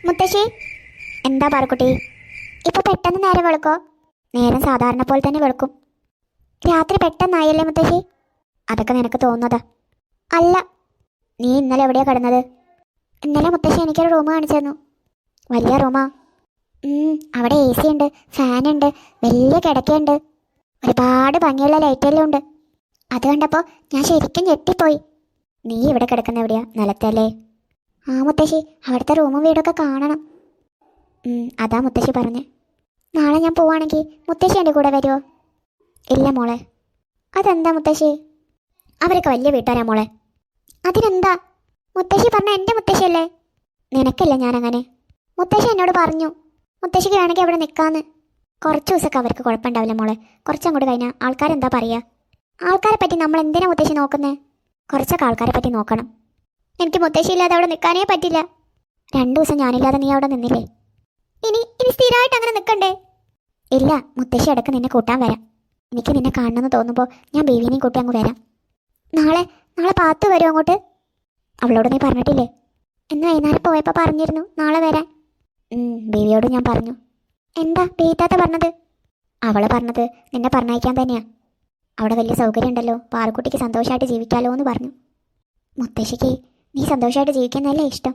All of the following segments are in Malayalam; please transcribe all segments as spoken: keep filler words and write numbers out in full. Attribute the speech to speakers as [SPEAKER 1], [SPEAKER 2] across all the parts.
[SPEAKER 1] മുത്തശ്ശി, എന്താ പാറക്കുട്ടി? ഇപ്പൊ പെട്ടെന്ന് നേരം വെളുക്കോ? നേരം സാധാരണ പോലെ തന്നെ വെളുക്കും. രാത്രി പെട്ടെന്നായല്ലേ മുത്തശ്ശി? അതൊക്കെ നിനക്ക് തോന്നുന്നതാ. അല്ല, നീ ഇന്നലെ എവിടെയാ കിടന്നത്? ഇന്നലെ മുത്തശ്ശി എനിക്കൊരു റൂം കാണിച്ചു തന്നു. വലിയ റൂമാ. അവിടെ എ സി ഉണ്ട്, ഫാനുണ്ട്, വലിയ കിടക്കയുണ്ട്, ഒരുപാട് ഭംഗിയുള്ള ലൈറ്റെല്ലാം ഉണ്ട്. അത് കണ്ടപ്പോൾ ഞാൻ ശരിക്കും ഞെട്ടിപ്പോയി. നീ ഇവിടെ കിടക്കുന്ന എവിടെയാ? നിലത്തല്ലേ? ആ മുത്തശ്ശി, അവിടുത്തെ റൂമും വീടൊക്കെ കാണണം. അതാ മുത്തശ്ശി പറഞ്ഞേ. നാളെ ഞാൻ പോവാണെങ്കിൽ മുത്തശ്ശി എൻ്റെ കൂടെ വരുമോ? ഇല്ല മോളെ. അതെന്താ മുത്തശ്ശി? അവരൊക്കെ വലിയ വീട്ടുകാരാ മോളെ. അതിനെന്താ? മുത്തശ്ശി പറഞ്ഞ എൻ്റെ മുത്തശ്ശിയല്ലേ? നിനക്കല്ല ഞാനങ്ങനെ. മുത്തശ്ശി എന്നോട് പറഞ്ഞു മുത്തശ്ശിക്ക് വേണമെങ്കിൽ അവിടെ നിൽക്കാന്ന്. കുറച്ച് ദിവസമൊക്കെ അവർക്ക് കുഴപ്പമുണ്ടാവില്ല മോളെ. കുറച്ചങ്ങോട്ട് കഴിഞ്ഞാൽ ആൾക്കാരെന്താ പറയുക? ആൾക്കാരെ പറ്റി നമ്മൾ എന്തിനാ മുത്തശ്ശി നോക്കുന്നേ? കുറച്ചൊക്കെ ആൾക്കാരെ പറ്റി നോക്കണം. എനിക്ക് മുത്തശ്ശി ഇല്ലാതെ അവിടെ നിൽക്കാനേ പറ്റില്ല. രണ്ടു ദിവസം ഞാനില്ലാതെ നീ അവിടെ നിന്നില്ലേ? ഇനി ഇനി സ്ഥിരമായിട്ട് അങ്ങനെ നിൽക്കണ്ടേ? ഇല്ല, മുത്തശ്ശി ഇടയ്ക്ക് നിന്നെ കൂട്ടാൻ വരാം. എനിക്ക് നിന്നെ കാണണമെന്ന് തോന്നുമ്പോൾ ഞാൻ ബേബീനെയും കൂട്ടി അങ്ങ് വരാം. നാളെ നാളെ പാത്തു വരും അങ്ങോട്ട്. അവളോട് നീ പറഞ്ഞിട്ടില്ലേ? ഇന്ന് വൈകുന്നേരം പോയപ്പോൾ പറഞ്ഞിരുന്നു നാളെ വരാൻ. ബേബിയോട് ഞാൻ പറഞ്ഞു. എന്താ ബേറ്റാത്ത പറഞ്ഞത്? അവള് പറഞ്ഞത് നിന്നെ പറഞ്ഞയക്കാൻ തന്നെയാ. അവിടെ വലിയ സൗകര്യം ഉണ്ടല്ലോ, പാറക്കുട്ടിക്ക് സന്തോഷമായിട്ട് ജീവിക്കാമല്ലോ എന്ന് പറഞ്ഞു. മുത്തശ്ശിക്ക് നീ സന്തോഷമായിട്ട് ജീവിക്കുന്നതല്ലേ ഇഷ്ടം.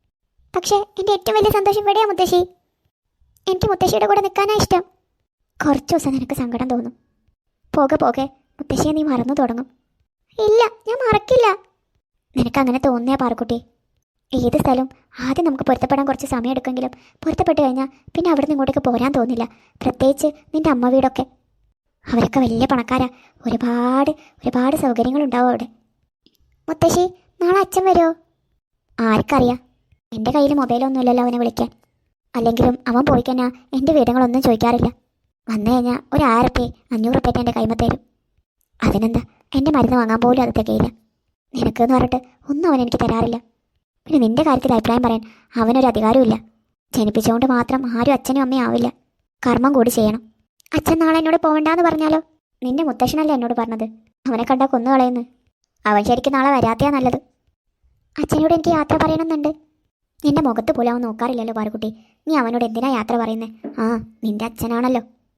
[SPEAKER 1] പക്ഷേ എൻ്റെ ഏറ്റവും വലിയ സന്തോഷം ഇവിടെയാ മുത്തശ്ശി. എനിക്ക് മുത്തശ്ശിയുടെ കൂടെ നിൽക്കാനാ ഇഷ്ടം. കുറച്ച് ദിവസം നിനക്ക് സങ്കടം തോന്നും. പോകെ പോകെ മുത്തശ്ശിയെ നീ മറന്നു തുടങ്ങും. ഇല്ല, ഞാൻ മറക്കില്ല. നിനക്കങ്ങനെ തോന്നിയാ പാറക്കുട്ടി. ഏത് സ്ഥലവും ആദ്യം നമുക്ക് പൊരുത്തപ്പെടാൻ കുറച്ച് സമയം എടുക്കെങ്കിലും പൊരുത്തപ്പെട്ട് കഴിഞ്ഞാൽ പിന്നെ അവിടെ നിന്ന് ഇങ്ങോട്ടേക്ക് പോരാൻ തോന്നില്ല. പ്രത്യേകിച്ച് നിൻ്റെ അമ്മ വീടൊക്കെ. അവരൊക്കെ വലിയ പണക്കാരാ. ഒരുപാട് ഒരുപാട് സൗകര്യങ്ങളുണ്ടാവും അവിടെ. മുത്തശ്ശി, നാളെ അച്ഛൻ വരുമോ? ആർക്കറിയാം. എൻ്റെ കയ്യിൽ മൊബൈലൊന്നും ഇല്ലല്ലോ അവനെ വിളിക്കാൻ. അല്ലെങ്കിലും അവൻ പോയി കഴിഞ്ഞാൽ എൻ്റെ വിവരങ്ങളൊന്നും ചോദിക്കാറില്ല. വന്നു കഴിഞ്ഞാൽ ഒരു ആയിരം റുപ്യ അഞ്ഞൂറ് റുപ്യ എൻ്റെ കൈമ തരും. അതിനെന്താ, എൻ്റെ മരുന്ന് വാങ്ങാൻ പോലും അത് തികയില്ല. നിനക്കെന്ന് പറഞ്ഞിട്ട് ഒന്നും അവൻ എനിക്ക് തരാറില്ല. പിന്നെ നിൻ്റെ കാര്യത്തിൽ അഭിപ്രായം പറയാൻ അവനൊരു അധികാരമില്ല. ജനിപ്പിച്ചുകൊണ്ട് മാത്രം ആരും അച്ഛനും അമ്മയും ആവില്ല. കർമ്മം കൂടി ചെയ്യണം. അച്ഛൻ നാളെ എന്നോട് പോകണ്ടെന്ന് പറഞ്ഞാലോ? നിൻ്റെ മുത്തശ്ശനല്ലേ എന്നോട് പറഞ്ഞത് അവനെ കണ്ടാൽ കൊന്നു കളയുന്നു. അവൻ ശരിക്കും നാളെ വരാത്തയാ നല്ലത്. അച്ഛനോട് എനിക്ക് യാത്ര പറയണമെന്നുണ്ട്. നിന്റെ മുഖത്ത് പോലും അവൻ നോക്കാറില്ലല്ലോ പാറുക്കുട്ടി. നീ അവനോട് എന്തിനാ യാത്ര പറയുന്നത്? ആ, നിന്റെ അച്ഛനാണല്ലോ.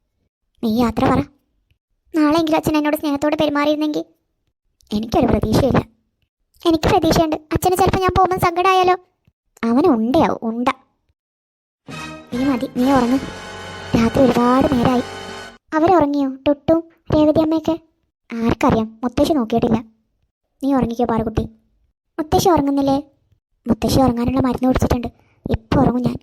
[SPEAKER 1] നീ യാത്ര പറ. നാളെയെങ്കിലും അച്ഛൻ എന്നോട് സ്നേഹത്തോടെ പെരുമാറിയിരുന്നെങ്കിൽ. എനിക്കൊരു പ്രതീക്ഷയില്ല. എനിക്ക് പ്രതീക്ഷയുണ്ട്. അച്ഛന് ചിലപ്പോൾ ഞാൻ പോകുമ്പോൾ സങ്കടമായാലോ? അവന് ഉണ്ടയാവും, ഉണ്ട. നീ മതി, നീ ഉറങ്ങും. രാത്രി ഒരുപാട് നേരമായി. അവരുറങ്ങിയോ? ടുട്ടും രേവതി അമ്മയൊക്കെ? ആർക്കറിയാം, മുത്തശ്ശി നോക്കിയിട്ടില്ല. നീ ഉറങ്ങിക്കോ പാറുക്കുട്ടി. മുത്തശ്ശി ഉറങ്ങുന്നില്ലേ? മുത്തശ്ശി ഉറങ്ങാനുള്ള മരുന്ന് കുടിച്ചിട്ടുണ്ട്. ഇപ്പോൾ ഉറങ്ങും ഞാൻ.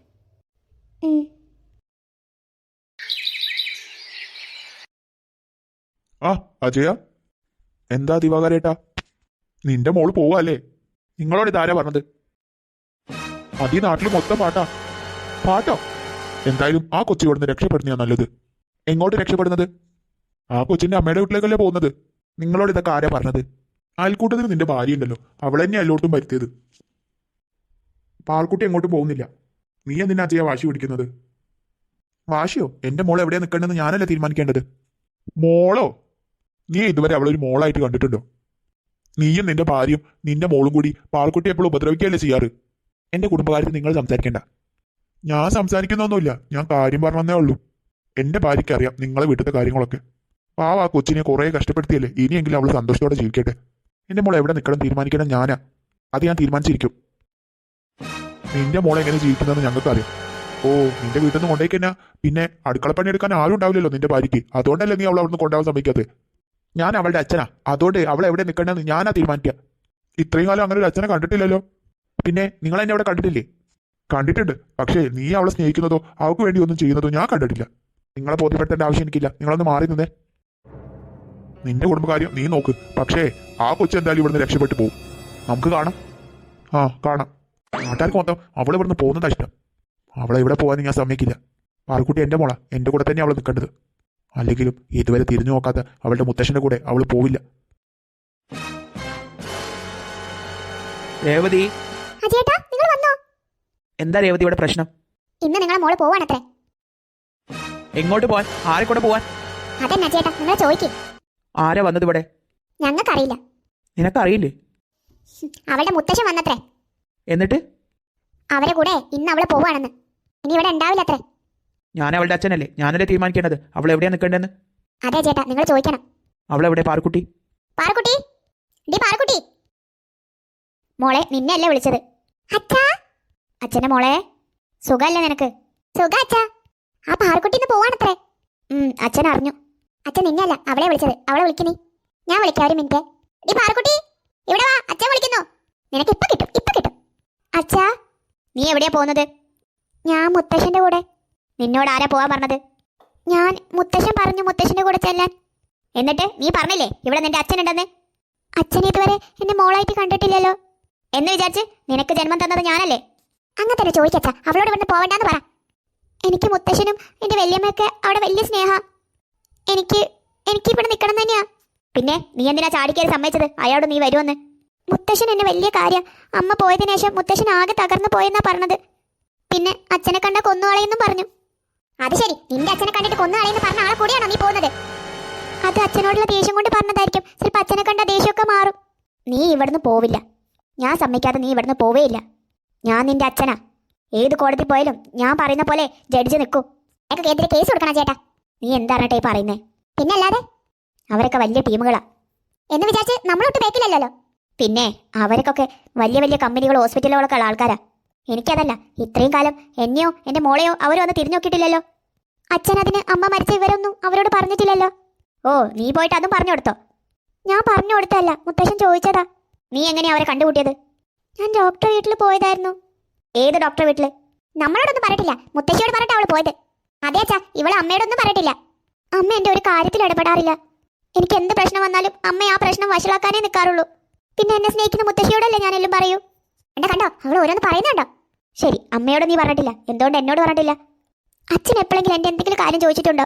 [SPEAKER 2] ആ അജയ, എന്താ ദിവാകരേട്ടാ? നിന്റെ മോള് പോവല്ലേ? നിങ്ങളോട് ഇതാരാ പറഞ്ഞത്? അതീ നാട്ടിൽ മൊത്തം പാട്ടാ. പാട്ടോ? എന്തായാലും ആ കൊച്ചി ഇവിടുന്ന് രക്ഷപ്പെടുന്നതാ നല്ലത്. എങ്ങോട്ട് രക്ഷപ്പെടുന്നത്? ആ കൊച്ചിന്റെ അമ്മയുടെ വീട്ടിലേക്കല്ലേ പോകുന്നത്. നിങ്ങളോട് ഇതൊക്കെ ആരാ പറഞ്ഞത്? അയൽക്കൂട്ടത്തിന് നിന്റെ ഭാര്യ ഉണ്ടല്ലോ, അവളെന്നെ എല്ലായിടത്തും വരുത്തിയത്. പാൽക്കുട്ടി എങ്ങോട്ടും പോകുന്നില്ല. നീ എന്തിനാ അജയ വാശി പിടിക്കുന്നത്? വാശിയോ? എന്റെ മോൾ എവിടെയാ നിൽക്കേണ്ടതെന്ന് ഞാനല്ലേ തീരുമാനിക്കേണ്ടത്. മോളോ? നീ ഇതുവരെ അവളൊരു മോളായിട്ട് കണ്ടിട്ടുണ്ടോ? നീയും നിന്റെ ഭാര്യയും നിന്റെ മോളും കൂടി പാൽക്കുട്ടി എപ്പോഴും ഉപദ്രവിക്കുകയല്ലേ ചെയ്യാറ്. എന്റെ കുടുംബകാര്യത്തിൽ നിങ്ങൾ സംസാരിക്കേണ്ട. ഞാൻ സംസാരിക്കുന്നൊന്നുമില്ല, ഞാൻ കാര്യം പറഞ്ഞേ ഉള്ളൂ. എന്റെ ഭാര്യയ്ക്ക് അറിയാം നിങ്ങളെ വീട്ടിലത്തെ കാര്യങ്ങളൊക്കെ. പാവ ആ കൊച്ചിനെ കുറെ കഷ്ടപ്പെടുത്തിയല്ലേ, ഇനിയെങ്കിലും അവൾ സന്തോഷത്തോടെ ജീവിക്കട്ടെ. എന്റെ മോൾ എവിടെ നിൽക്കണം തീരുമാനിക്കണം ഞാനാ. അത് ഞാൻ തീരുമാനിച്ചിരിക്കും. നിന്റെ മോളെ എങ്ങനെ ജീവിക്കുന്നതെന്ന് ഞങ്ങൾക്ക് അറിയാം. ഓ, നിന്റെ വീട്ടിൽ നിന്ന് കൊണ്ടേക്കന്നാ പിന്നെ അടുക്കളപ്പണി എടുക്കാൻ ആരും ഉണ്ടാവില്ലല്ലോ നിന്റെ ഭാര്യയ്ക്ക്. അതുകൊണ്ടല്ലേ നീ അവൾ അവിടുന്ന് കൊണ്ടുപോകാൻ ശ്രമിക്കാത്തത്. ഞാൻ അവളുടെ അച്ഛനാ, അതുകൊണ്ട് അവൾ എവിടെ നിൽക്കണമെന്ന് ഞാനാ തീരുമാനിക്കുക. ഇത്രയും കാലം അങ്ങനെ ഒരു അച്ഛനെ കണ്ടിട്ടില്ലല്ലോ. പിന്നെ നിങ്ങൾ എന്നെ അവിടെ കണ്ടിട്ടില്ലേ? കണ്ടിട്ടുണ്ട്, പക്ഷേ നീ അവളെ സ്നേഹിക്കുന്നതോ അവൾക്ക് വേണ്ടി ഒന്നും ചെയ്യുന്നതോ ഞാൻ കണ്ടിട്ടില്ല. നിങ്ങളെ ബോധ്യപ്പെടുത്തേണ്ട ആവശ്യം എനിക്കില്ല. നിങ്ങളൊന്ന് മാറി നിന്നേ. നിന്റെ കുടുംബകാര്യം നീ നോക്ക്, പക്ഷേ ആ കൊച്ചു എന്തായാലും ഇവിടുന്ന് രക്ഷപ്പെട്ടു പോകും. നമുക്ക് കാണാം. ആ കാണാം. നാട്ടുകാർക്ക് മൊത്തം അവൾ ഇവിടുന്ന് പോകുന്നതാ ഇഷ്ടം. അവളെ ഇവിടെ പോകാൻ ഞാൻ സമ്മതിക്കില്ല. പാറുക്കുട്ടി എൻ്റെ മോളാ, എൻ്റെ കൂടെ തന്നെ അവൾ നിൽക്കേണ്ടത്. അല്ലെങ്കിലും ഇതുവരെ തിരിഞ്ഞു നോക്കാത്ത അവളുടെ മുത്തശ്ശന്റെ കൂടെ അവൾ പോവില്ല.
[SPEAKER 3] രേവതി, എന്താ രേവതി ഇവിടെ പ്രശ്നം?
[SPEAKER 1] ഇന്ന് നിങ്ങളെ മോള് പോവാണത്രേ.
[SPEAKER 3] എങ്ങോട്ട് പോവാൻ? ആരെ കൂടെ പോവാൻ?
[SPEAKER 1] അതെന്നാ ചേട്ടാ നിങ്ങൾ ചോദിക്കും.
[SPEAKER 3] ആരാ വന്നത് ഇവിടെ?
[SPEAKER 1] ഞങ്ങൾക്കറിയില്ല.
[SPEAKER 3] നിനക്കറിയില്ലേ?
[SPEAKER 1] അവളുടെ മുത്തശ്ശൻ വന്നത്രേ.
[SPEAKER 3] എന്നിട്ട്?
[SPEAKER 1] അവരെ കൂടെ ഇന്ന് അവള് പോവാണെന്ന്. ഇനി ഇവിടെ ഉണ്ടാവില്ല അത്രേ.
[SPEAKER 3] ഞാൻ അവളുടെ അച്ഛനല്ലേ, ഞാനല്ലേ തീരുമാനിക്കേണ്ടത് അവൾ എവിടെയാ നിൽക്കേണ്ടതെന്ന്.
[SPEAKER 1] അതെ ചേട്ടാ, നിങ്ങൾ ചോദിക്കണം.
[SPEAKER 3] അവളെവിടെ പാറുക്കുട്ടി?
[SPEAKER 1] പാറക്കുട്ടി, ഡി പാറക്കുട്ടി. മോളെ, നിന്നെയല്ലേ വിളിച്ചത്? അച്ഛാ. അച്ഛന്റെ മോളെ, സുഖല്ലേ നിനക്ക്? സുഖ അച്ഛാ. ആ പാറക്കുട്ടി ഇന്ന് പോവാണത്രേ. ഉം അച്ഛൻ അറിഞ്ഞു. അച്ഛൻ നിന്നെയല്ല അവളെ വിളിച്ചത്. അവളെ വിളിക്കുന്നീ. ഞാൻ വിളിക്കാം, ഒരു മിനിറ്റ്. ഡി പാറക്കുട്ടി, ഇവിടെ വാ, അച്ഛൻ വിളിക്കുന്നു. നിനക്ക് ഇപ്പൊ കിട്ടും, ഇപ്പൊ കിട്ടും. അച്ഛാ. നീ എവിടെയാ പോകുന്നത്? ഞാൻ മുത്തശ്ശന്റെ കൂടെ. നിന്നോട് ആരാ പോവാൻ പറഞ്ഞത്? ഞാൻ, മുത്തശ്ശൻ പറഞ്ഞു മുത്തശ്ശന്റെ കൂടെ ചെല്ലാൻ. എന്നിട്ട് നീ പറഞ്ഞില്ലേ ഇവിടെ നിന്റെ അച്ഛനുണ്ടെന്ന്? അച്ഛനെ ഇതുവരെ എന്നെ മോളായിട്ട് കണ്ടിട്ടില്ലല്ലോ. എന്ന് വിചാരിച്ച് നിനക്ക് ജന്മം തന്നത് ഞാനല്ലേ? അങ്ങനെ തന്നെ ചോദിക്കച്ച. അവളോട് ഇവിടുന്ന് പോവണ്ടെന്ന് പറ. എനിക്ക് മുത്തശ്ശനും എന്റെ വല്യമ്മയൊക്കെ അവിടെ വലിയ സ്നേഹ. എനിക്ക് എനിക്ക് ഇവിടെ നിൽക്കണം തന്നെയാ. പിന്നെ നീ എന്തിനാ ചാടിക്കയറി സമ്മതിച്ചത് അയാളോട് നീ വരുമെന്ന്? മുത്തശ്ശൻ എന്നെ വലിയ കാര്യം. അമ്മ പോയതിനു ശേഷം മുത്തശ്ശൻ ആകെ തകർന്നു പോയെന്നാ പറഞ്ഞത്. പിന്നെ അച്ഛനെ കണ്ട കൊന്നുകളയെന്നും പറഞ്ഞു. അത് ശരി, നിന്റെ അച്ഛനെ കണ്ടിട്ട് കൊന്നുകളയെന്ന് പറഞ്ഞ ആളെ കൂടിയാണോ നീ പോകുന്നത്? അത് അച്ഛനോടുള്ള ദേഷ്യം കൊണ്ട് പറഞ്ഞതായിരിക്കും. ചിലപ്പോൾ അച്ഛനെ കണ്ട ദേഷ്യമൊക്കെ മാറും. നീ ഇവിടുന്ന് പോവില്ല. ഞാൻ സമ്മതിക്കാതെ നീ ഇവിടുന്ന് പോവേയില്ല. ഞാൻ നിന്റെ അച്ഛനാ. ഏത് കോടതി പോയാലും ഞാൻ പറയുന്ന പോലെ ജഡ്ജ് നിൽക്കൂ. എനിക്ക് എതിരെ കേസ് കൊടുക്കണം ചേട്ടാ. നീ എന്താണട്ടെ ഈ പറയുന്നേ? പിന്നല്ലാതെ അവരൊക്കെ വലിയ ടീമുകളാ എന്ന് വിചാരിച്ച് നമ്മളൊട്ട് ബേക്കിലല്ലോ. പിന്നെ അവർക്കൊക്കെ വലിയ വലിയ കമ്പനികളോ ഹോസ്പിറ്റലുകളൊക്കെ ഉള്ള ആൾക്കാരാ. എനിക്കതല്ല. ഇത്രയും കാലം എന്നെയോ എന്റെ മോളെയോ അവരോ ഒന്ന് തിരിഞ്ഞു നോക്കിയിട്ടില്ലല്ലോ. അച്ഛൻ അതിന് അമ്മ മരിച്ച വിവരമൊന്നും അവരോട് പറഞ്ഞിട്ടില്ലല്ലോ. ഓ, നീ പോയിട്ട് അതും പറഞ്ഞു കൊടുത്തോ? ഞാൻ പറഞ്ഞു കൊടുത്തല്ല, മുത്തശ്ശൻ ചോദിച്ചതാ. നീ എങ്ങനെയാ അവരെ കണ്ടുകൂട്ടിയത്? ഞാൻ ഡോക്ടർ വീട്ടിൽ പോയതായിരുന്നു. ഏത് ഡോക്ടർ വീട്ടില്? നമ്മളോടൊന്നും പറഞ്ഞിട്ടില്ല. മുത്തശ്ശിയോട് പറഞ്ഞിട്ട് അവള് പോയത്. അതെ അച്ഛാ, ഇവളെ അമ്മയോടൊന്നും പറഞ്ഞിട്ടില്ല. അമ്മ എന്റെ ഒരു കാര്യത്തിൽ ഇടപെടാറില്ല. എനിക്ക് എന്ത് പ്രശ്നം വന്നാലും അമ്മ ആ പ്രശ്നം വഷളാക്കാനേ നിൽക്കാറുള്ളൂ. പിന്നെ എന്നെ സ്നേഹിക്കുന്ന മുത്തശ്ശിയോടല്ലേ ഞാനെല്ലാം പറയൂ. എന്നെ കണ്ടോ, അവൾ ഓരോന്ന് പറയുന്നുണ്ടോ? ശരി, അമ്മയോട് നീ പറഞ്ഞിട്ടില്ല, എന്തുകൊണ്ട് എന്നോട് പറഞ്ഞിട്ടില്ല? അച്ഛൻ എപ്പോഴെങ്കിലും എൻ്റെ എന്തെങ്കിലും കാര്യം ചോദിച്ചിട്ടുണ്ടോ?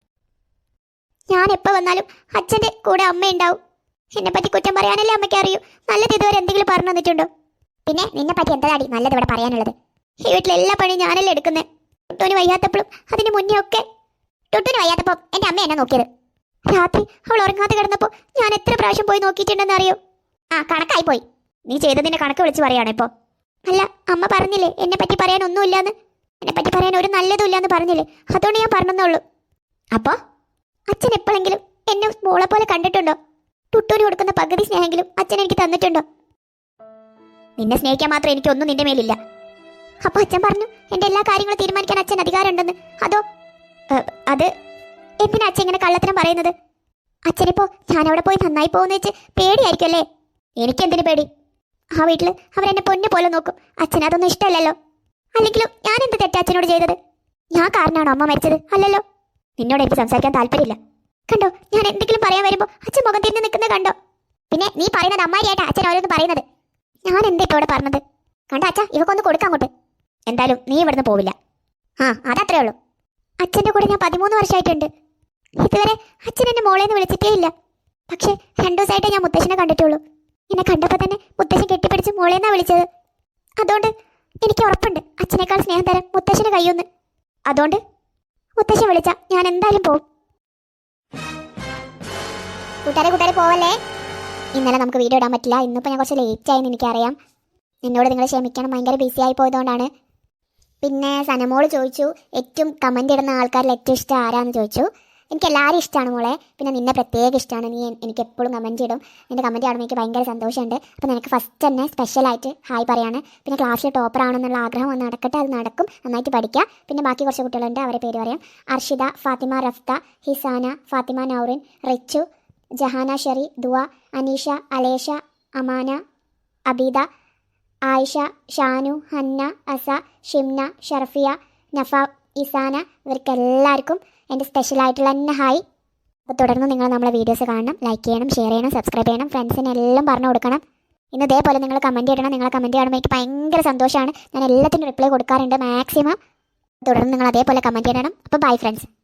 [SPEAKER 1] ഞാൻ എപ്പോൾ വന്നാലും അച്ഛൻ്റെ കൂടെ അമ്മ ഉണ്ടാവും. എന്നെ പറ്റി കുറ്റം പറയാനല്ലേ അമ്മയ്ക്ക് അറിയൂ. നല്ലത് ഇതുവരെ എന്തെങ്കിലും പറഞ്ഞു തന്നിട്ടുണ്ടോ? പിന്നെ നിന്നെ പറ്റി എന്താടി നല്ലത് ഇവിടെ പറയാനുള്ളത്? ഈ വീട്ടിൽ എല്ലാ പണിയും ഞാനല്ലേ എടുക്കുന്നത്. ടുട്ടൂന് വയ്യാത്തപ്പോഴും അതിന് മുന്നേ ഒക്കെ. ടുട്ടൂന് വയ്യാത്തപ്പോൾ എൻ്റെ അമ്മ എന്നെ നോക്കിയത്. രാത്രി അവൾ ഉറങ്ങാതെ കിടന്നപ്പോൾ ഞാൻ എത്ര പ്രാവശ്യം പോയി നോക്കിയിട്ടുണ്ടെന്ന് അറിയോ? ആ, കണക്കായി പോയി. നീ ചെയ്തതിന്റെ കണക്ക് വിളിച്ച് പറയാണ് ഇപ്പോൾ. അല്ല, അമ്മ പറഞ്ഞില്ലേ എന്നെ പറ്റി പറയാൻ ഒന്നുമില്ലാന്ന്. എന്നെ പറ്റി പറയാൻ ഒരു നല്ലതും ഇല്ലാന്ന് പറഞ്ഞില്ലേ, അതുകൊണ്ട് ഞാൻ പറഞ്ഞെന്നുള്ളൂ. അപ്പോ അച്ഛൻ എപ്പോഴെങ്കിലും എന്നെ മോളെ പോലെ കണ്ടിട്ടുണ്ടോ? ടുട്ടൂന് കൊടുക്കുന്ന പകുതി സ്നേഹമെങ്കിലും അച്ഛൻ എനിക്ക് തന്നിട്ടുണ്ടോ? നിന്നെ സ്നേഹിക്കാൻ മാത്രം എനിക്കൊന്നും നിന്റെ മേലില്ല. അപ്പൊ അച്ഛൻ പറഞ്ഞു എന്റെ എല്ലാ കാര്യങ്ങളും തീരുമാനിക്കാൻ അച്ഛൻ അധികാരമുണ്ടെന്ന്. അതോ അത് എന്തിനാ അച്ഛൻ ഇങ്ങനെ കള്ളത്തരം പറയുന്നത്? അച്ഛനിപ്പോ ഞാനവിടെ പോയി നന്നായി പോകുന്ന വെച്ച് പേടിയായിരിക്കും അല്ലേ? എനിക്കെന്തിനു പേടി? ആ വീട്ടിൽ അവരെന്നെ പൊന്നു പോലെ നോക്കും. അച്ഛൻ അതൊന്നും ഇഷ്ടമല്ലല്ലോ. അല്ലെങ്കിലും ഞാൻ എന്ത് തെറ്റാ അച്ഛനോട് ചെയ്തത്? ഞാൻ കാരണമാണോ അമ്മ മരിച്ചത്? അല്ലല്ലോ. നിന്നോട് എനിക്ക് സംസാരിക്കാൻ താല്പര്യമില്ല. കണ്ടോ, ഞാൻ എന്തെങ്കിലും പറയാൻ വരുമ്പോൾ അച്ഛൻ മുഖം തിരിഞ്ഞ് നിൽക്കുന്നത് കണ്ടോ? പിന്നെ നീ പറയുന്നത് അമ്മാരിയായിട്ടാ അച്ഛൻ ഓരോന്ന് പറയുന്നത്. ഞാൻ എന്താ ഇവിടെ പറഞ്ഞത്? കണ്ടോ അച്ഛാ, ഇവക്കൊന്ന് കൊടുക്കാൻ അങ്ങോട്ട്. എന്തായാലും നീ ഇവിടുന്ന് പോവില്ല. ആ, അതത്രേ ഉള്ളൂ. അച്ഛൻ്റെ കൂടെ ഞാൻ പതിമൂന്ന് വർഷമായിട്ടുണ്ട്. ഇതുവരെ അച്ഛൻ എന്നെ മോളേന്ന് വിളിച്ചിട്ടേ ഇല്ല. പക്ഷേ രണ്ടു ദിവസമായിട്ടേ ഞാൻ മുത്തശ്ശനെ കണ്ടിട്ടുള്ളൂ. എന്നെ കണ്ടപ്പോൾ തന്നെ മുത്തശ്ശൻ കെട്ടിപ്പിടിച്ച് മോളേന്നാ വിളിച്ചത്. അതുകൊണ്ട് എനിക്ക് ഉറപ്പുണ്ട് അച്ഛനേക്കാൾ സ്നേഹം തരാൻ മുത്തശ്ശന് കഴിയുമെന്ന്. അതുകൊണ്ട് മുത്തശ്ശൻ വിളിച്ച ഞാൻ എന്തായാലും പോവും. കൂട്ടുകാരെ കൂട്ടുകാരെ പോവല്ലേ. ഇന്നലെ നമുക്ക് വീഡിയോ ഇടാൻ പറ്റില്ല. ഇന്നിപ്പോൾ ഞാൻ കുറച്ച് ലേറ്റ് ആയെന്ന് എനിക്കറിയാം. എന്നോട് നിങ്ങൾ ക്ഷമിക്കണം, ഭയങ്കര ബിസി ആയി പോയതുകൊണ്ടാണ്. പിന്നെ സനമോള് ചോദിച്ചു ഏറ്റവും കമൻ്റ് ഇടുന്ന ആൾക്കാരിൽ ഏറ്റവും ഇഷ്ടം ആരാന്ന് ചോദിച്ചു. എനിക്ക് എല്ലാവരും ഇഷ്ടമാണ് മോളെ. പിന്നെ നിന്നെ പ്രത്യേകം ഇഷ്ടമാണ്. നീ എനിക്ക് എപ്പോഴും കമൻറ്റ് ഇടും. എൻ്റെ കമൻറ്റ് കാണുമ്പോൾ എനിക്ക് ഭയങ്കര സന്തോഷമുണ്ട്. അപ്പോൾ നിനക്ക് ഫസ്റ്റ് തന്നെ സ്പെഷ്യലായിട്ട് ഹായ് പറയാണ്. പിന്നെ ക്ലാസ്സിൽ ടോപ്പർ ആണെന്നുള്ള ആഗ്രഹം ഒന്ന് നടക്കട്ടെ, അത് നടക്കും. നന്നായിട്ട് പഠിക്കുക. പിന്നെ ബാക്കി കുറച്ച് കുട്ടികളുണ്ട്, അവരെ പേര് പറയാം. അർഷിത, ഫാത്തിമ റഫ്ത, ഹിസാന, ഫാത്തിമ നൗറിൻ, റിച്ചു, ജഹാന ഷെറി, ദുവ, അനീഷ, അലേഷ, അമാന, അബീദ, ആയിഷ, ഷാനു, ഹന്ന, അസ, ഷിംന, ഷർഫിയ, നഫ, ഇസാന, ഇവർക്കെല്ലാവർക്കും എൻ്റെ സ്പെഷ്യലായിട്ടുള്ള തന്നെ ഹായ്. അപ്പോൾ തുടർന്ന് നിങ്ങൾ നമ്മളെ വീഡിയോസ് കാണണം, ലൈക്ക് ചെയ്യണം, ഷെയർ ചെയ്യണം, സബ്സ്ക്രൈബ് ചെയ്യണം, ഫ്രണ്ട്സിനെല്ലാം പറഞ്ഞു കൊടുക്കണം. ഇന്ന് ഇതേപോലെ നിങ്ങൾ കമൻറ്റ് ചെയ്യണം. നിങ്ങളെ കമൻറ്റ് കാണുമ്പോൾ എനിക്ക് ഭയങ്കര സന്തോഷമാണ്. ഞാൻ എല്ലാത്തിനും റിപ്ലൈ കൊടുക്കാറുണ്ട് മാക്സിമം. തുടർന്ന് നിങ്ങൾ അതേപോലെ കമൻറ്റ് ചെയ്യണം. അപ്പോൾ ബൈ ഫ്രണ്ട്സ്.